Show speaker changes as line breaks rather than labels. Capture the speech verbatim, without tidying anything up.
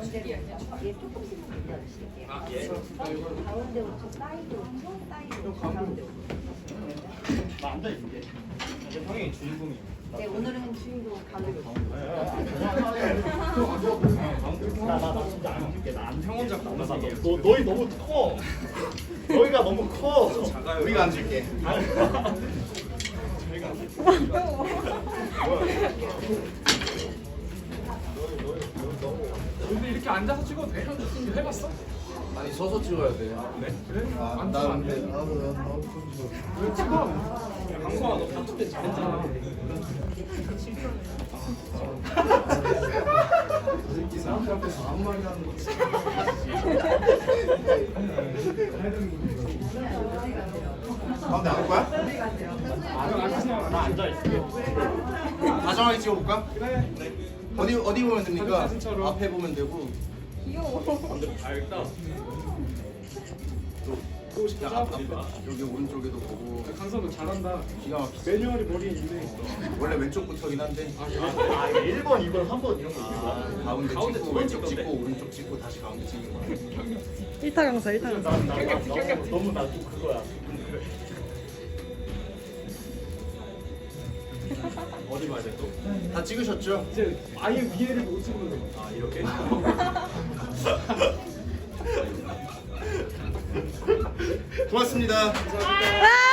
가운데로 얘 조금씩만 올려주실게요.
아, 예.
가운데부터 사이드로 사이드로 가운데로.
나 앉아 있을게. 이제 형이 주인공이야.
네, 오늘은 주인공 가운데로.
나나 진짜 안 앉을게. 나안 형 혼자 나나 너 너희 너무 커. 너희가 너무 커. 작아요. 우리가 앉을게. 저희가
근데 이렇게 앉아서 찍어도 돼? 해봤어?
아니 서서 찍어야 돼.
네? 그래?
아,
안
나
찍으면 안
근데
돼?
나도 나도
왜 찍어?
강성아 너 다툴 때 잘했잖아.
이 사람들 앞에서 아무 말이나 하는 거지. 가운데 안 올 거야?
나 앉아 있을게.
다정하게 찍어볼까?
그래.
어디 어디 보면 됩니까?
사진처럼.
앞에 보면 되고.
아 일단
보고 싶어?
야, 앞, 앞에 여기 오른쪽에도 보고.
강성 너 잘한다.
기가 막히지.
매뉴얼이 머리에 있네.
원래 왼쪽부터긴 한데.
아 그래?
아 이게 일 번, 이 번, 삼 번 이런 거 있는 거야.
가운데,
가운데
찍고
두
왼쪽
번째
찍고
건데?
오른쪽 찍고 다시 가운데 찍는 거야.
일타 강사 일타 강사.
나, 나, 나, 너무 너무 나도 그거야. 어디 봐야 돼 또?
다 찍으셨죠?
이제 아예 위에를 못 찍는 거.
아 이렇게?
고맙습니다.
아!